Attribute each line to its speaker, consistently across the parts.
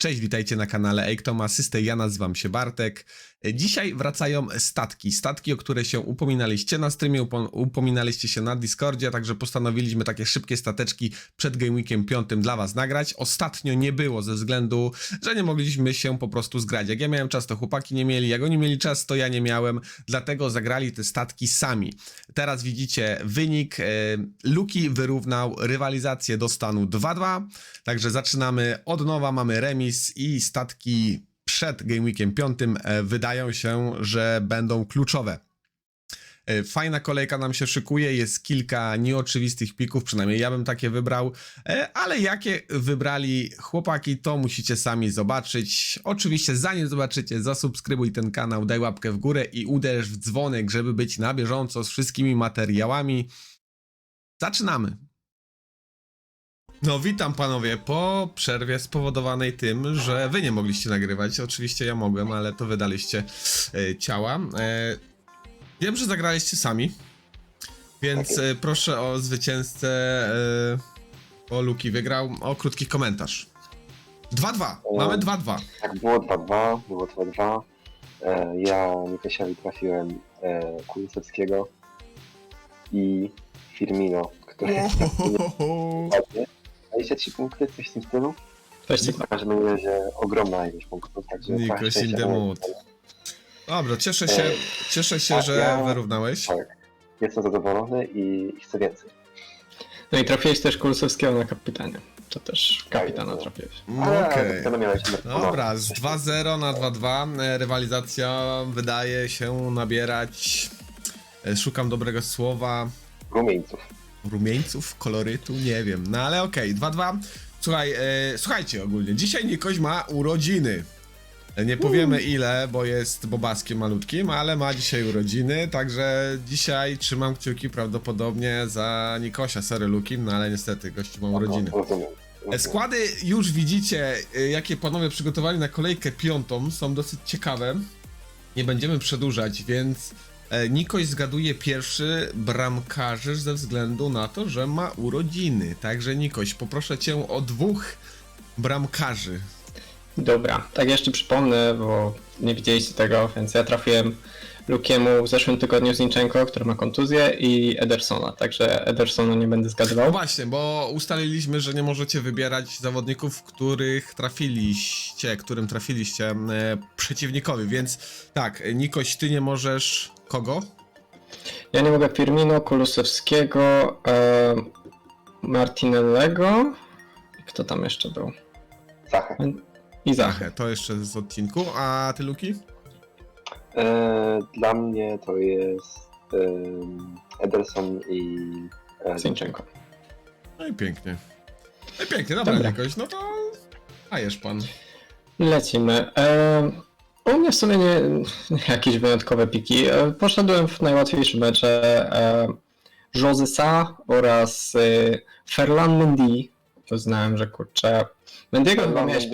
Speaker 1: Cześć, witajcie na kanale Ejktom Asysty, ja nazywam się Bartek. Dzisiaj wracają statki, o które się upominaliście na streamie, upominaliście się na Discordzie, także postanowiliśmy takie szybkie stateczki przed Game Weekiem 5 dla was nagrać. Ostatnio nie było ze względu, że nie mogliśmy się po prostu zgrać. Jak ja miałem czas, to chłopaki nie mieli, jak oni mieli czas, to ja nie miałem, dlatego zagrali te statki sami. Teraz widzicie wynik, Luki wyrównał rywalizację do stanu 2-2, także zaczynamy od nowa, mamy remis i statki przed Game Weekiem 5 wydają się, że będą kluczowe. Fajna kolejka nam się szykuje, jest kilka nieoczywistych pików, przynajmniej ja bym takie wybrał, ale jakie wybrali chłopaki, to musicie sami zobaczyć. Oczywiście zanim zobaczycie, zasubskrybuj ten kanał, daj łapkę w górę i uderz w dzwonek, żeby być na bieżąco z wszystkimi materiałami. Zaczynamy! No witam panowie, po przerwie spowodowanej tym, że wy nie mogliście nagrywać. Oczywiście ja mogłem, ale to wydaliście ciała. Wiem, że zagraliście sami, więc proszę o zwycięzcę, o Luki wygrał, o krótki komentarz. 2-2, mamy 2-2.
Speaker 2: Tak, było 2-2, było 2-2. Ja Nikosiowi trafiłem Kulusewskiego i Firmino, który ładnie. 23 punkty, coś w tym stylu. W każdym razie ogromna ilość punktów, także
Speaker 1: Nikoś in the mood. Dobra, cieszę się, że wyrównałeś.
Speaker 2: Tak, jestem zadowolony i chcę więcej.
Speaker 3: No i trafiłeś też Kulusewskiego na kapitanie. To też kapitana trafiłeś.
Speaker 1: Okej. Dobra, z 2-0 na 2-2 rywalizacja wydaje się nabierać, szukam dobrego słowa, rumieńców, kolorytu, nie wiem, no ale okej, 2-2. Słuchajcie ogólnie, dzisiaj Nikoś ma urodziny. Nie powiemy ile, bo jest bobaskiem malutkim, ale ma dzisiaj urodziny, także dzisiaj trzymam kciuki prawdopodobnie za Nikosia, sorry Luki, no ale niestety gościu ma urodziny. Składy już widzicie, jakie panowie przygotowali na kolejkę 5, są dosyć ciekawe. Nie będziemy przedłużać, więc Nikoś zgaduje pierwszy bramkarzy ze względu na to, że ma urodziny. Także Nikoś, poproszę cię o 2 bramkarzy.
Speaker 3: Dobra, tak jeszcze przypomnę, bo nie widzieliście tego, więc ja trafiłem Lukiemu w zeszłym tygodniu Zinchenko, który ma kontuzję, i Edersona, także Edersona nie będę zgadywał.
Speaker 1: No właśnie, bo ustaliliśmy, że nie możecie wybierać zawodników, którym trafiliście przeciwnikowi, więc tak, Nikoś, ty nie możesz kogo?
Speaker 3: Ja nie mogę Firmino, Kulusewskiego, Martinellego i kto tam jeszcze był?
Speaker 2: Zachę.
Speaker 3: I Zachę.
Speaker 1: To jeszcze z odcinku, a ty Luki?
Speaker 2: Dla mnie to jest Ederson i
Speaker 3: Zinchenko.
Speaker 1: No i pięknie. No i pięknie, dobra. Nikoś, no to dajesz pan.
Speaker 3: Lecimy. U mnie w sumie nie jakieś wyjątkowe piki. Poszedłem w najłatwiejsze mecze José Sa oraz Ferland Mendy. Uznałem, że kurczę. Mendy'ego chyba miałeś...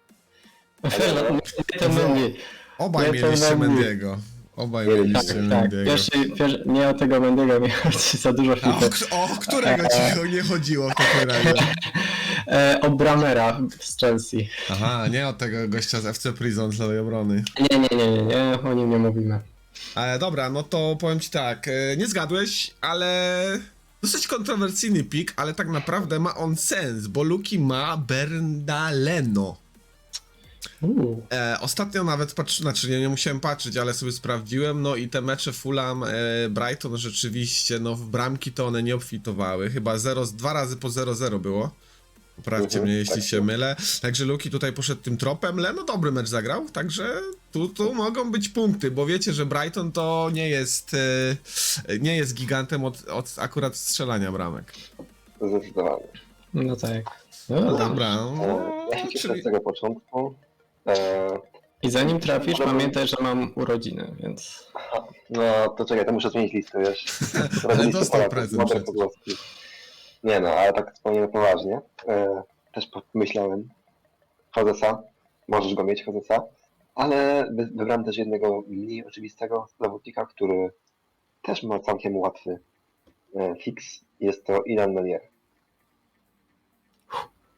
Speaker 1: Obaj mieliście Mendiego.
Speaker 3: Pierwszy, nie o tego Mendy'ego miałem za dużo flipy.
Speaker 1: O którego ci nie chodziło w takim razie?
Speaker 3: O Bramera z Chelsea.
Speaker 1: Aha, nie o tego gościa z FC Prison z lewej obrony.
Speaker 3: Nie, o nim nie mówimy.
Speaker 1: Dobra, no to powiem ci tak, nie zgadłeś, ale dosyć kontrowersyjny pik, ale tak naprawdę ma on sens, bo Luki ma Bernardino. Ostatnio nawet nie musiałem patrzeć, ale sobie sprawdziłem, no i te mecze Fulham, Brighton rzeczywiście, no w bramki to one nie obfitowały, chyba 2 razy po 0-0 było. Poprawcie mnie, jeśli się mylę. Także Luki tutaj poszedł tym tropem, no dobry mecz zagrał, także tu mogą być punkty, bo wiecie, że Brighton to nie jest gigantem od akurat strzelania bramek.
Speaker 2: Zdecydowanie.
Speaker 3: No tak.
Speaker 1: No dobra.
Speaker 2: Ja się cieszę z tego początku.
Speaker 3: I zanim trafisz, pamiętaj, że mam urodziny, więc...
Speaker 2: No to czekaj, to muszę zmienić listę, wiesz.
Speaker 1: Ale dostał prezent.
Speaker 2: Nie no, ale tak wspomniałem poważnie. Też myślałem. Josesa, możesz go mieć, Josesa. Ale wybrałem też jednego mniej oczywistego zawodnika, który też ma całkiem łatwy fix. Jest to Ilan Menier.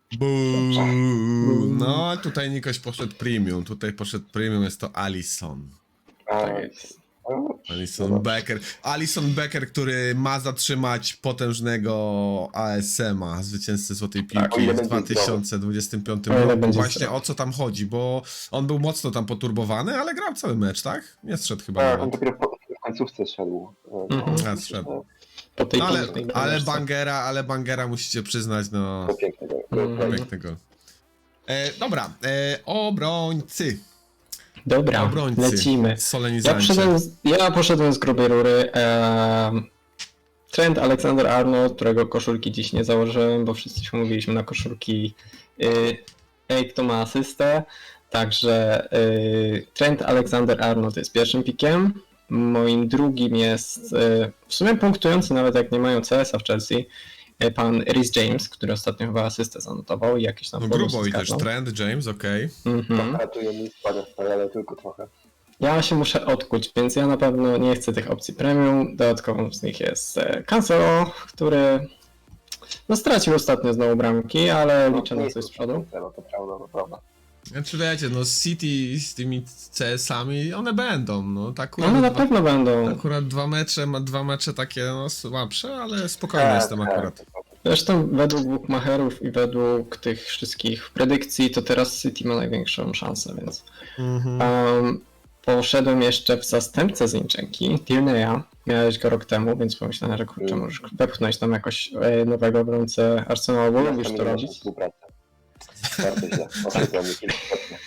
Speaker 1: No, tutaj Nikoś poszedł premium. Tutaj poszedł premium, jest to Alisson.
Speaker 3: Tak jest.
Speaker 1: Alisson Becker. Alisson Becker, który ma zatrzymać potężnego ASM-a, zwycięzcę Złotej
Speaker 3: Tak,
Speaker 1: Piłki
Speaker 2: o ile
Speaker 1: w
Speaker 2: będzie
Speaker 1: 2025
Speaker 3: O ile
Speaker 1: roku.
Speaker 3: będzie
Speaker 1: Właśnie
Speaker 3: zdrowy.
Speaker 1: o co tam chodzi, bo on był mocno tam poturbowany, ale grał cały mecz, tak? Nie zszedł chyba
Speaker 2: Tak, on
Speaker 1: nawet.
Speaker 2: dopiero w końcówce szedł.
Speaker 3: Mhm.
Speaker 1: A, zszedł.
Speaker 3: Po tej
Speaker 1: No,
Speaker 3: pięknej brameczce.
Speaker 1: ale Bangera musicie przyznać, no,
Speaker 2: To pięknego.
Speaker 3: Mhm.
Speaker 1: pięknego. Dobra, obrońcy.
Speaker 3: Dobra,
Speaker 1: Obrońcy.
Speaker 3: lecimy.
Speaker 1: Solenizancie.
Speaker 3: Ja poszedłem z grubej rury. Trent Alexander-Arnold, którego koszulki dziś nie założyłem, bo wszyscy się umówiliśmy na koszulki. Kto ma asystę. Także Trent Alexander-Arnold jest pierwszym pikiem. Moim drugim jest w sumie punktujący, nawet jak nie mają CS-a w Chelsea, pan Rhys James, który ostatnio chyba asystę zanotował i jakiś tam
Speaker 1: No
Speaker 3: bonus
Speaker 1: grubo i też
Speaker 3: zgarnął.
Speaker 1: Trent, James, okej.
Speaker 3: Mhm.
Speaker 2: Ratuje mi składę, ale tylko trochę.
Speaker 3: Ja się muszę odkuć, więc ja na pewno nie chcę tych opcji premium. Dodatkową z nich jest Cancelo, który no stracił ostatnio znowu bramki, ale liczę na coś z przodu.
Speaker 2: No to prawda, to prawda.
Speaker 1: Znaczy wiecie, no City z tymi CS-ami, one będą, no tak akurat,
Speaker 3: One na pewno będą.
Speaker 1: akurat dwa mecze takie no słabsze, ale spokojny jestem akurat.
Speaker 3: Zresztą według bookmacherów i według tych wszystkich predykcji to teraz City ma największą szansę, więc poszedłem jeszcze w zastępcę Zinchenki, Tierney'a. Miałeś go rok temu, więc pomyślałem, że kurczę, możesz wepchnąć tam jakoś nowego obrońcę Arsenalu, bo lubisz to robić.
Speaker 2: Współpracę. Bardzo źle. Ostrzegam mnie kilkukrotnie.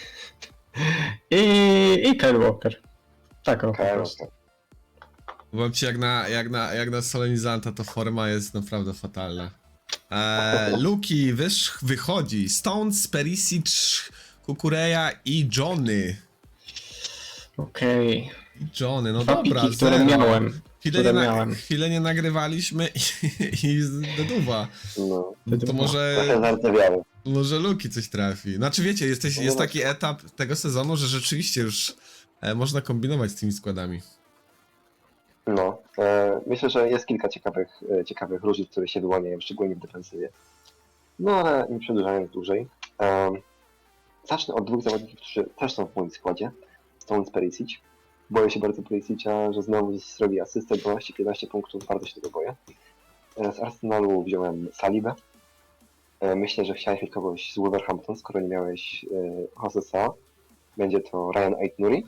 Speaker 3: I Kyle Walker. Tak, o, po prostu.
Speaker 1: Powiem ci, jak na solenizanta to forma jest naprawdę fatalna. Luki wychodzi, Stones, Perisic, Kukureya i Johnny.
Speaker 3: Okej.
Speaker 1: Johnny, no
Speaker 3: Dwa
Speaker 1: dobra,
Speaker 3: piki, które
Speaker 1: zero.
Speaker 3: miałem.
Speaker 1: Chwilę nie nagrywaliśmy i deduwa.
Speaker 2: No.
Speaker 1: To może...
Speaker 2: Trochę zardzewiały.
Speaker 1: Może Luki coś trafi. Znaczy wiecie, jest taki etap tego sezonu, że rzeczywiście już można kombinować z tymi składami.
Speaker 2: No. Myślę, że jest kilka ciekawych różnic, które się wyłaniają, szczególnie w defensywie. No ale nie przedłużając dłużej. Zacznę od dwóch zawodników, którzy też są w moim składzie. Stones, Perisic. Boję się bardzo Perisic'a, że znowu zrobi asystę 12-15 punktów, bardzo się tego boję. Z Arsenalu wziąłem Salibę. Myślę, że chciałeś mieć kogoś z Wolverhampton, skoro nie miałeś Josesa. Będzie to Ryan Aït-Nouri.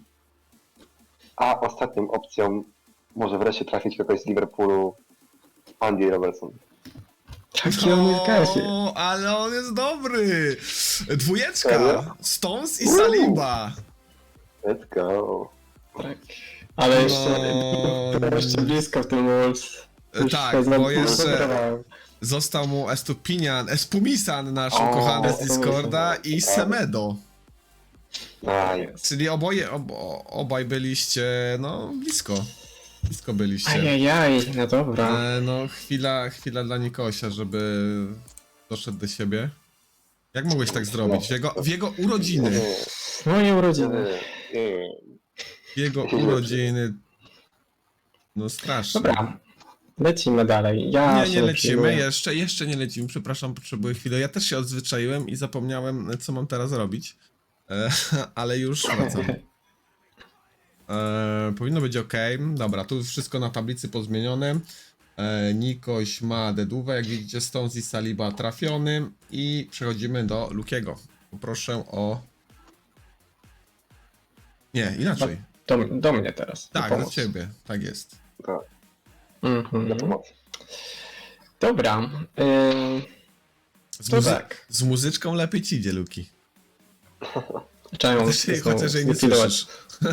Speaker 2: A ostatnią opcją może wreszcie trafić kogoś z Liverpoolu, Andy Robertson.
Speaker 3: Taki on jest gazie.
Speaker 1: O, ale on jest dobry! Dwójeczka!
Speaker 2: Serio?
Speaker 1: Stones i Saliba!
Speaker 2: Let's go.
Speaker 3: Tak. Ale
Speaker 1: No,
Speaker 3: jeszcze blisko w tym Wolves. Już
Speaker 1: tak,
Speaker 3: się
Speaker 1: bo jeszcze
Speaker 3: zdenerwowałem.
Speaker 1: został mu Estupiñan, nasz
Speaker 2: O,
Speaker 1: ukochany z Discorda i Semedo. Czyli obaj byliście, no blisko. Blisko byliście.
Speaker 3: Ajajaj, no dobra.
Speaker 1: No chwila dla Nikosia, żeby doszedł do siebie. Jak mogłeś tak zrobić? W jego urodziny.
Speaker 3: Moje urodziny.
Speaker 1: W jego urodziny. No strasznie.
Speaker 3: Dobra, lecimy dalej. Ja
Speaker 1: Nie
Speaker 3: się
Speaker 1: lecimy,
Speaker 3: przyjmuję.
Speaker 1: jeszcze nie lecimy, przepraszam, potrzebuję chwilę. Ja też się odzwyczaiłem i zapomniałem, co mam teraz robić. Ale już wracam. Powinno być ok. Dobra, tu wszystko na tablicy pozmienione. Nikoś ma dedówę, jak widzicie, Stones i Saliba trafiony. I przechodzimy do Lukiego. Poproszę o... Nie, inaczej.
Speaker 3: Do mnie teraz.
Speaker 1: Tak,
Speaker 3: do
Speaker 1: do ciebie, tak jest.
Speaker 3: Mhm.
Speaker 2: pomocy.
Speaker 3: Dobra.
Speaker 1: Z,
Speaker 3: To tak.
Speaker 1: z muzyczką lepiej ci idzie, Luki.
Speaker 3: Czemu
Speaker 1: Chociaż jej nie słyszysz.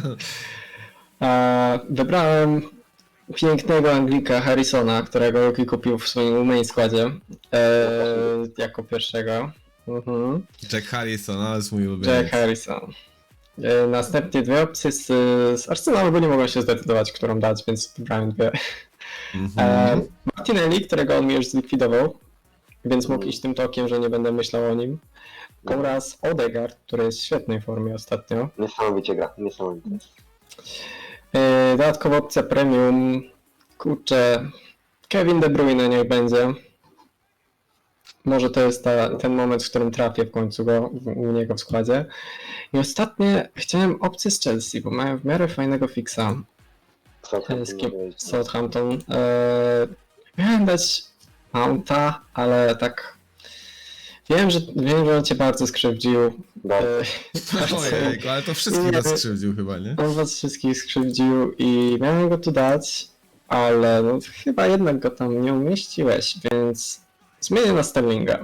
Speaker 3: Wybrałem pięknego Anglika Harrisona, którego Luki kupił w swoim main składzie jako pierwszego. Mhm.
Speaker 1: Jack Harrison, ale jest mój ulubiony.
Speaker 3: Jack Harrison. Następnie dwie opcje z Arsenalu, bo nie mogłem się zdecydować, którą dać, więc wybrałem dwie.
Speaker 1: Mhm.
Speaker 3: Martinelli, którego on mi już zlikwidował, więc mógł iść tym tokiem, że nie będę myślał o nim. Oraz Odegaard, który jest w świetnej formie ostatnio.
Speaker 2: Niesamowicie gra, niesamowicie.
Speaker 3: Dodatkowa opcja premium. Kurczę, Kevin De Bruyne niech będzie. może to jest ten moment, w którym trafię w końcu u niego w składzie. I ostatnie chciałem opcję z Chelsea, bo mają w miarę fajnego fixa. Southampton. Miałem dać Mounta, ale tak. Wiem, że on cię bardzo skrzywdził.
Speaker 1: Ojejku, ale to wszystkich nas skrzywdził chyba, nie?
Speaker 3: On was wszystkich skrzywdził i miałem go tu dać, ale no, chyba jednak go tam nie umieściłeś, więc zmienię na Sterlinga.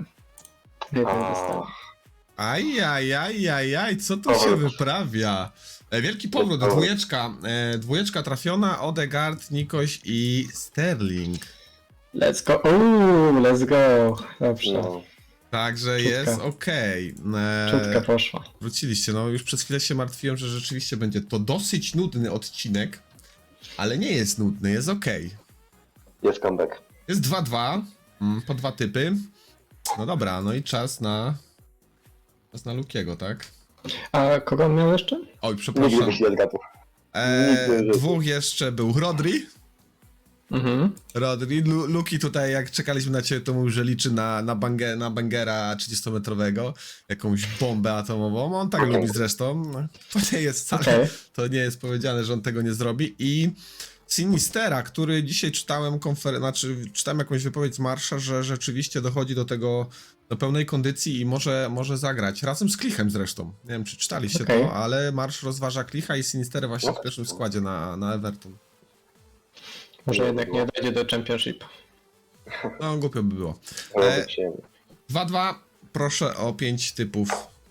Speaker 1: Ajajajajaj, co tu się wyprawia? Wielki powrót, dwójeczka trafiona, Odegaard, Nikoś i Sterling.
Speaker 3: Let's go, let's go. Dobrze.
Speaker 2: No.
Speaker 1: Także jest okej.
Speaker 3: Czutka poszła.
Speaker 1: Wróciliście, no już przez chwilę się martwiłem, że rzeczywiście będzie to dosyć nudny odcinek, ale nie jest nudny, jest okej.
Speaker 2: Jest comeback.
Speaker 1: Jest 2-2, po 2 typy. No dobra, no i czas na Lukiego, tak?
Speaker 3: A kogo on miał jeszcze?
Speaker 1: Oj,
Speaker 2: Nigdy
Speaker 1: przepraszam.
Speaker 2: byś nie zgadł.
Speaker 1: Dwóch jeszcze był Rodri.
Speaker 3: Mhm.
Speaker 1: Rodri. Luki tutaj, jak czekaliśmy na ciebie, to mówił, że liczy na bangera 30-metrowego. Jakąś bombę atomową. On tak lubi zresztą. To nie jest wcale, to nie jest powiedziane, że on tego nie zrobi. I Sinistera, który dzisiaj czytałem czytałem jakąś wypowiedź z Marsza, że rzeczywiście dochodzi do tego, do pełnej kondycji i może zagrać. Razem z Klichem zresztą. Nie wiem, czy czytaliście to, ale Marsz rozważa Klicha i Sinisterę właśnie w pierwszym składzie na Everton.
Speaker 3: Może jednak nie dojdzie do Championship.
Speaker 1: No, głupio by było. 2-2, proszę o 5 typów.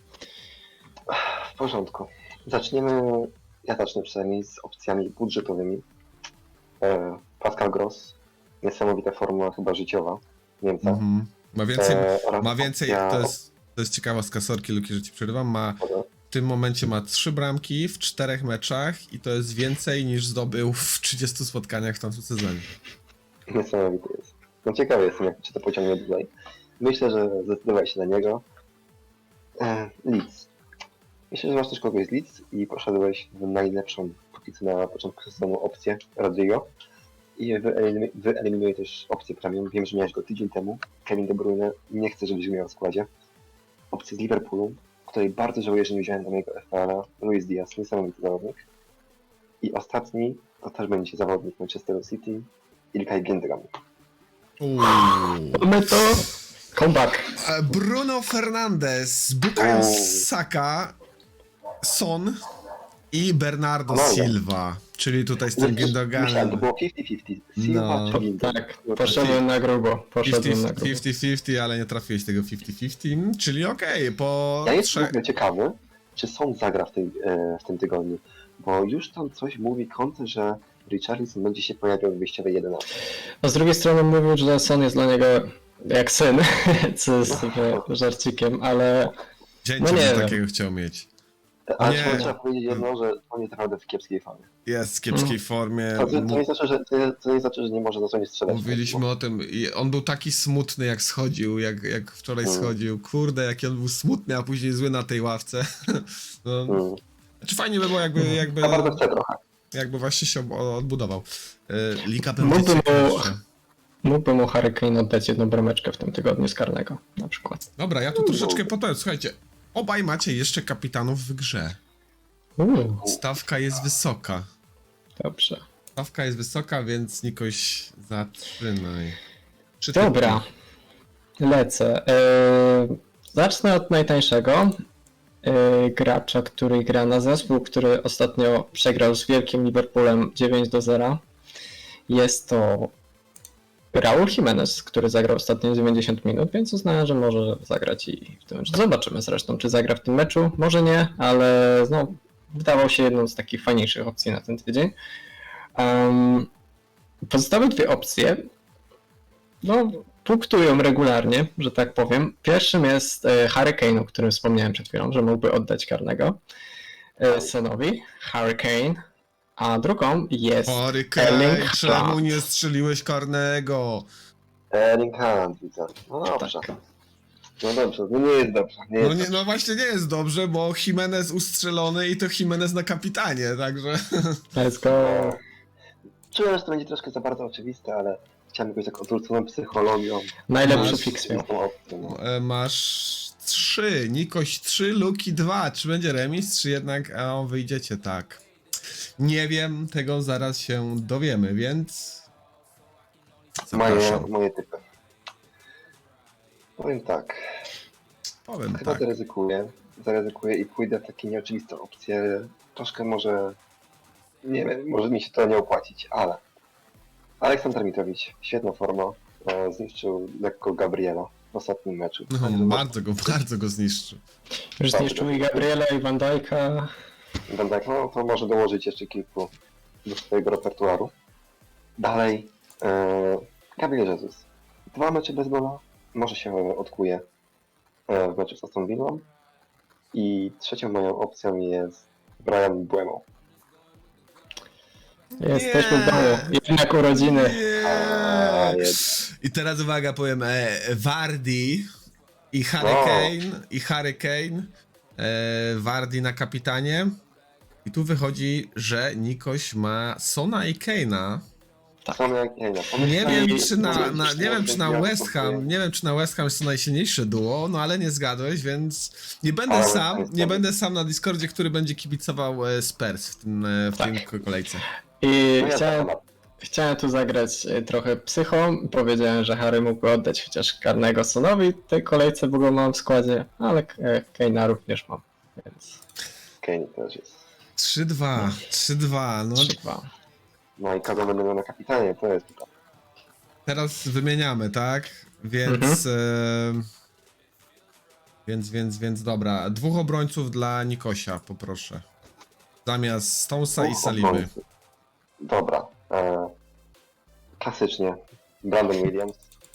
Speaker 2: W porządku. Ja zacznę przynajmniej z opcjami budżetowymi. Pascal Gross, niesamowita formuła chyba życiowa Niemca.
Speaker 1: Ma więcej, to jest ciekawostka, sorki Luki, że ci przerywam, w tym momencie ma 3 bramki w 4 meczach i to jest więcej niż zdobył w 30 spotkaniach w tamtym sezonie.
Speaker 2: Niesamowity jest. No ciekawy jestem, czy to pociągnie tutaj. Myślę, że zdecydowałeś się na niego. Leeds. Myślę, że masz też kogoś z Leeds i poszedłeś w najlepszą póki co na początku sezonu opcję Rodrigo i wyeliminuję też opcję premium. Wiem, że miałeś go tydzień temu. Kevin De Bruyne, nie chcę, żebyś go miał w składzie. Opcję z Liverpoolu, której bardzo żałuję, że nie wziąłem do mojego FPL-a. Luis Diaz, niesamowity zawodnik. I ostatni to też będzie zawodnik Manchesteru City, Ilkay Gündogan.
Speaker 3: Mamy to. Comeback.
Speaker 1: Bruno Fernandes, Bukayo Saka, Son i Bernardo Silva. Czyli tutaj z tym Gündoganem.
Speaker 2: To było 50-50. Silva czy Gündogan?
Speaker 3: Tak, poszedłem na grubo.
Speaker 1: 50-50, ale nie trafiłeś tego 50-50, czyli okej, po
Speaker 2: Ja jestem ciekawy, czy Son zagra w tym tygodniu, bo już tam coś mówi Conte, że Richarlison będzie się pojawiał w wyjściowej 11.
Speaker 3: No z drugiej strony mówił, że Son jest dla niego jak syn, co jest żarcikiem, ale
Speaker 1: Dzięcie
Speaker 3: no nie wiem.
Speaker 1: takiego chciał mieć.
Speaker 2: Ale trzeba powiedzieć jedno, że on jest naprawdę w kiepskiej formie.
Speaker 1: Jest w kiepskiej formie.
Speaker 2: To nie znaczy, że nie może na co nie strzelać.
Speaker 1: Mówiliśmy o tym i on był taki smutny jak schodził, jak wczoraj schodził. Kurde, jaki on był smutny, a później zły na tej ławce. No. Znaczy fajnie by było jakby
Speaker 2: Ja bardzo chcę trochę.
Speaker 1: Jakby właśnie się odbudował. Liga będzie ciekawsza.
Speaker 3: Mógłbym mu Harry Kane oddać jedną brameczkę w tym tygodniu z karnego, na przykład.
Speaker 1: Dobra, ja tu troszeczkę powiem. Słuchajcie, obaj macie jeszcze kapitanów w grze. Stawka jest wysoka.
Speaker 3: Dobrze.
Speaker 1: Stawka jest wysoka, więc Nikoś zaczynaj.
Speaker 3: Dobra, lecę. Zacznę od najtańszego gracza, który gra na zespół, który ostatnio przegrał z wielkim Liverpoolem 9-0. Jest to Raúl Jiménez, który zagrał ostatnio 90 minut, więc uznałem, że może zagrać i w tym meczu. Zobaczymy zresztą, czy zagra w tym meczu. Może nie, ale no, wydawał się jedną z takich fajniejszych opcji na ten tydzień. Pozostałe dwie opcje no, punktują regularnie, że tak powiem. Pierwszym jest Harry Kane, o którym wspomniałem przed chwilą, że mógłby oddać karnego Sonowi. Harry Kane. A drugą jest Erling
Speaker 1: czemu
Speaker 3: Haaland.
Speaker 1: nie strzeliłeś karnego?
Speaker 2: Erling Haaland, widzę. No dobrze. No dobrze, no nie jest dobrze.
Speaker 1: No właśnie nie jest dobrze, bo Jimenez ustrzelony i to Jimenez na kapitanie, także...
Speaker 3: Let's go.
Speaker 2: Czułem, że to będzie troszkę za bardzo oczywiste, ale chciałem jakoś tak odwróconą psychologią.
Speaker 3: Najlepszy
Speaker 1: Masz-
Speaker 3: fix miał.
Speaker 2: Tą opcją, no.
Speaker 1: Masz 3, Nikoś 3, Luki 2. Czy będzie remis, czy jednak wyjdziecie tak? Nie wiem, tego zaraz się dowiemy, więc zapraszam.
Speaker 2: Moje typy. Powiem tak.
Speaker 1: Powiem
Speaker 2: Chyba
Speaker 1: tak.
Speaker 2: zaryzykuję i pójdę w takie nieoczywiste opcje. Troszkę może, nie wiem, może mi się to nie opłacić, ale Aleksander Mitrowicz, świetna forma, zniszczył lekko Gabriela w ostatnim meczu.
Speaker 1: No, bardzo go zniszczy.
Speaker 3: Już zniszczył i Gabriela, i Van Dijk'a.
Speaker 2: Van Dijk, no to może dołożyć jeszcze kilku do swojego repertuaru. Dalej, Gabriel Jesus. 2 mecze bez gola, może się odkuje w meczu z Aston Villą. I trzecią moją opcją jest Brian Mbeumo.
Speaker 3: Jesteśmy w domu. Jednak urodziny.
Speaker 2: A,
Speaker 1: Nie.
Speaker 2: jednak.
Speaker 1: I teraz uwaga, powiem Vardy i Harry Kane. Vardy na kapitanie. I tu wychodzi, że Nikoś ma Sona i Kane'a.
Speaker 2: Same jak nie,
Speaker 1: Nie wiem, czy na
Speaker 2: ja
Speaker 1: West Ham, nie wiem, czy na West Ham jest to najsilniejsze duo, no ale nie zgadłeś, więc nie będę
Speaker 2: Ale
Speaker 1: sam,
Speaker 2: jest
Speaker 1: nie
Speaker 2: dobry.
Speaker 1: będę sam na Discordzie, który będzie kibicował Spurs w tym kolejce.
Speaker 3: I
Speaker 2: No ja
Speaker 3: chciałem tu zagrać trochę psychą. Powiedziałem, że Harry mógł oddać chociaż karnego Sonowi w tej kolejce, bo go mam w składzie, ale Kane'a również mam, więc
Speaker 2: Kane też jest.
Speaker 1: 3-2, no
Speaker 3: 3-2.
Speaker 1: Tak.
Speaker 2: No i kogo będę miał na kapitanie, to jest pytanie.
Speaker 1: teraz wymieniamy, tak? Więc, więc dobra, 2 obrońców dla Nikosia, poproszę. Zamiast Stonesa i Saliby.
Speaker 2: Obrońcy. Dobra. Klasycznie. Brandon Williams.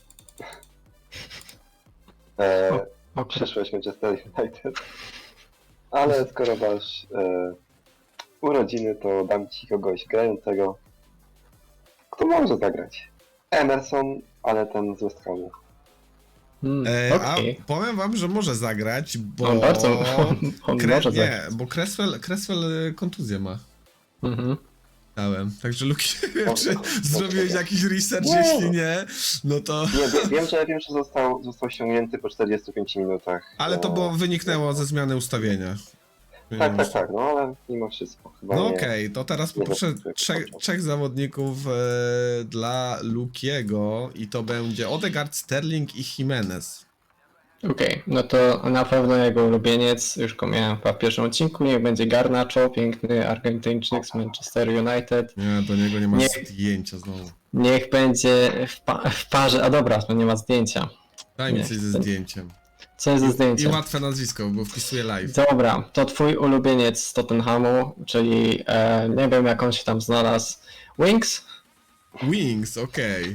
Speaker 2: Przyszłość Manchester United. Ale skoro masz urodziny, to dam ci kogoś grającego, kto może zagrać. Emerson, ale ten z West Hamu.
Speaker 3: Okej.
Speaker 1: A powiem wam, że może zagrać, bo...
Speaker 3: On bardzo on może
Speaker 1: nie,
Speaker 3: zagrać.
Speaker 1: bo Cresswell kontuzję ma.
Speaker 3: Mhm.
Speaker 1: Dałem. Także Luki, nie wiem,
Speaker 2: Dobrze,
Speaker 1: czy
Speaker 2: dobrze.
Speaker 1: zrobiłeś jakiś research,
Speaker 2: Nie.
Speaker 1: jeśli nie, no to...
Speaker 2: Nie, wiem, że został ściągnięty po 45 minutach.
Speaker 1: Ale to było, wyniknęło ze zmiany ustawienia.
Speaker 2: Tak, no ale mimo wszystko. Chyba
Speaker 1: No
Speaker 2: nie.
Speaker 1: okej, to teraz
Speaker 2: nie
Speaker 1: poproszę
Speaker 2: zaskoczyłem.
Speaker 1: trzech zawodników dla Lukiego i to będzie Odegaard, Sterling i Jimenez.
Speaker 3: Okej, no to na pewno jego ulubieniec, już go miałem w pierwszym odcinku, niech będzie Garnacho, piękny Argentyńczyk z Manchester United.
Speaker 1: Nie, do niego nie ma
Speaker 3: Nie.
Speaker 1: zdjęcia znowu.
Speaker 3: Niech będzie w parze, a dobra, to nie ma zdjęcia.
Speaker 1: Daj mi
Speaker 3: Nie,
Speaker 1: coś ze
Speaker 3: to-
Speaker 1: zdjęciem.
Speaker 3: Co jest ze
Speaker 1: I
Speaker 3: zdjęciem?
Speaker 1: łatwe nazwisko, bo wpisuję live.
Speaker 3: Dobra, to twój ulubieniec z Tottenhamu, czyli nie wiem jak on się tam znalazł, Wings
Speaker 1: Wings, okej.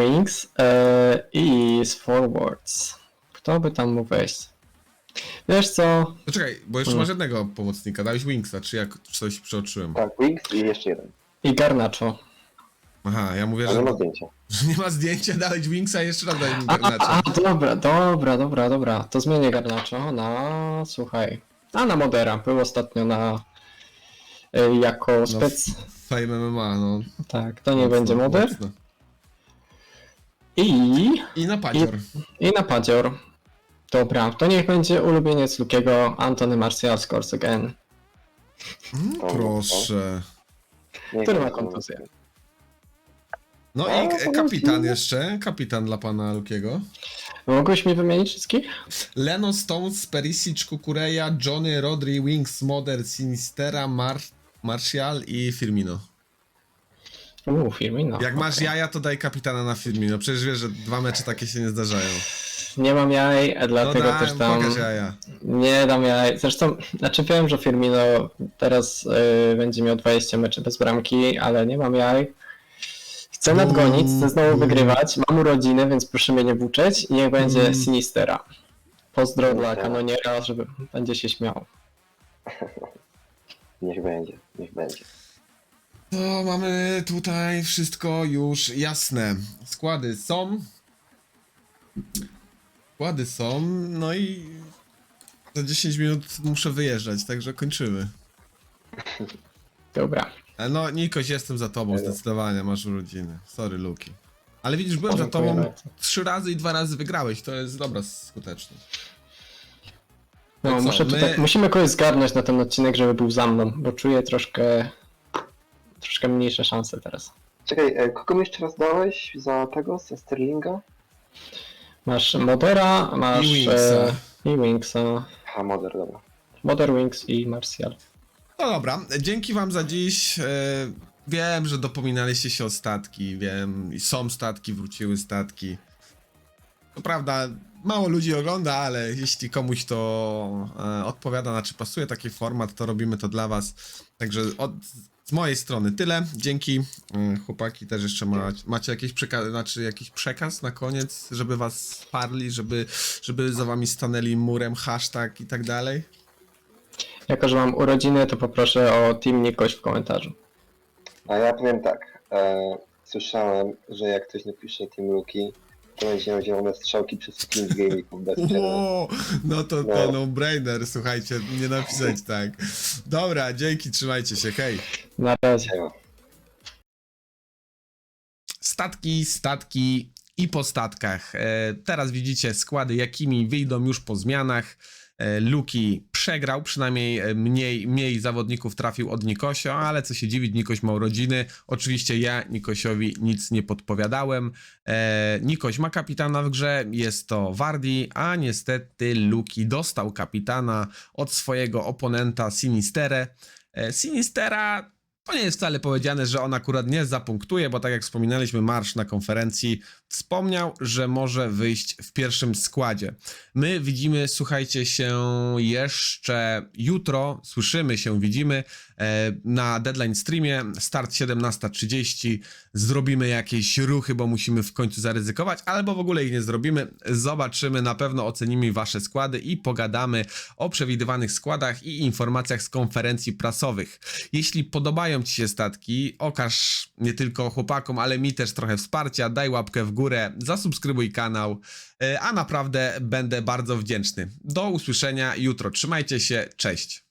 Speaker 3: i z Forwards. Kto by tam mógł wejść? Wiesz co?
Speaker 1: To czekaj, bo jeszcze masz jednego pomocnika. Dałeś Wingsa, czy jak coś przeoczyłem?
Speaker 2: Tak, Wings i jeszcze jeden.
Speaker 3: I Garnacho.
Speaker 1: Aha, ja mówię,
Speaker 2: Ale
Speaker 1: że
Speaker 2: ma zdjęcia.
Speaker 1: nie ma zdjęcia, dałeś Wingsa i jeszcze raz daj mi
Speaker 3: A,
Speaker 1: Garnacza.
Speaker 3: dobra. To zmienię Garnacho na, słuchaj, na Modera. Był ostatnio na, jako spec.
Speaker 1: Fame MMA, no.
Speaker 3: Tak, to nie będzie Moder.
Speaker 1: Mocno.
Speaker 3: I
Speaker 1: I na padzior.
Speaker 3: na Padzior. Dobra, to niech będzie ulubieniec Lukiego, Antony Martial scores again.
Speaker 1: Proszę.
Speaker 2: Niech
Speaker 3: Który ma
Speaker 2: będzie
Speaker 3: kontuzję?
Speaker 1: No
Speaker 2: A,
Speaker 1: i
Speaker 2: to
Speaker 1: kapitan
Speaker 2: lecimy.
Speaker 1: jeszcze. Kapitan dla pana Lukiego.
Speaker 3: Mogłeś mi wymienić wszystkich?
Speaker 1: Leno, Stones, Perisic, Kukureya, Johnny, Rodri, Wings, Moder, Sinistera, Martial i Firmino.
Speaker 3: Firmino.
Speaker 1: Jak masz
Speaker 3: okej.
Speaker 1: jaja, to daj kapitana na Firmino. Przecież wiesz, że 2 mecze takie się nie zdarzają.
Speaker 3: Nie mam jaj,
Speaker 1: No
Speaker 3: dlatego też tam
Speaker 1: pokaż jaja.
Speaker 3: nie dam jaj. Zresztą, znaczy wiem, że Firmino teraz będzie miał 20 meczy bez bramki, ale nie mam jaj. Chcę nadgonić, chcę znowu wygrywać. Mam urodziny, więc proszę mnie nie buczeć i niech będzie Sinistera. Pozdro dla kanoniera, żeby będzie się śmiał.
Speaker 2: Niech będzie.
Speaker 1: To mamy tutaj wszystko już jasne. Składy są, no i za 10 minut muszę wyjeżdżać, także kończymy.
Speaker 3: Dobra.
Speaker 1: No, Nikoś, jestem za tobą, zdecydowanie, masz urodziny. Sorry, Luki. Ale widzisz, byłem za
Speaker 3: Dziękuję
Speaker 1: tobą
Speaker 3: bardzo.
Speaker 1: 3 razy i 2 razy wygrałeś, to jest dobra skuteczność.
Speaker 3: No,
Speaker 1: co,
Speaker 3: muszę tutaj, musimy kogoś zgarnąć na ten odcinek, żeby był za mną, bo czuję troszkę mniejsze szanse teraz.
Speaker 2: Czekaj, kogo mi jeszcze raz dałeś za tego, za Sterlinga?
Speaker 3: Masz Modera, masz
Speaker 1: I Wingsa.
Speaker 3: i Wingsa.
Speaker 2: Ha, Moder, dobra.
Speaker 3: Moder, Wings i Martial.
Speaker 1: No dobra, dzięki wam za dziś. Wiem, że dopominaliście się o statki, wiem, i są statki, wróciły statki. To prawda, mało ludzi ogląda, ale jeśli komuś to odpowiada, znaczy pasuje taki format, to robimy to dla was. Także z mojej strony tyle. Dzięki. Chłopaki też jeszcze macie jakiś jakiś przekaz na koniec, żeby was wsparli, żeby za wami stanęli murem, hashtag i tak dalej?
Speaker 3: Jako, że mam urodziny, to poproszę o Team Nikoś w komentarzu.
Speaker 2: A ja powiem tak, słyszałem, że jak ktoś napisze Team Rookie, to będzie miał zielone strzałki przez 5 game'ików bez przerwy.
Speaker 1: O, no to no-brainer, słuchajcie, nie napisać tak. Dobra, dzięki, trzymajcie się, hej.
Speaker 3: Na razie.
Speaker 2: Siema.
Speaker 1: Statki i po statkach. Teraz widzicie składy, jakimi wyjdą już po zmianach. Luki przegrał, przynajmniej mniej zawodników trafił od Nikosio, ale co się dziwić, Nikoś ma urodziny. Oczywiście ja Nikosiowi nic nie podpowiadałem. Nikoś ma kapitana w grze, jest to Wardi, a niestety Luki dostał kapitana od swojego oponenta Sinisterę. Sinistera, to nie jest wcale powiedziane, że on akurat nie zapunktuje, bo tak jak wspominaliśmy, Marsz na konferencji wspomniał, że może wyjść w pierwszym składzie. My widzimy, słuchajcie się jeszcze jutro, słyszymy się, widzimy na deadline streamie, start 17:30, zrobimy jakieś ruchy, bo musimy w końcu zaryzykować, albo w ogóle ich nie zrobimy, zobaczymy, na pewno ocenimy wasze składy i pogadamy o przewidywanych składach i informacjach z konferencji prasowych. Jeśli podobają ci się statki, okaż nie tylko chłopakom, ale mi też trochę wsparcia, daj łapkę w górę, zasubskrybuj kanał, a naprawdę będę bardzo wdzięczny. Do usłyszenia jutro, trzymajcie się, cześć!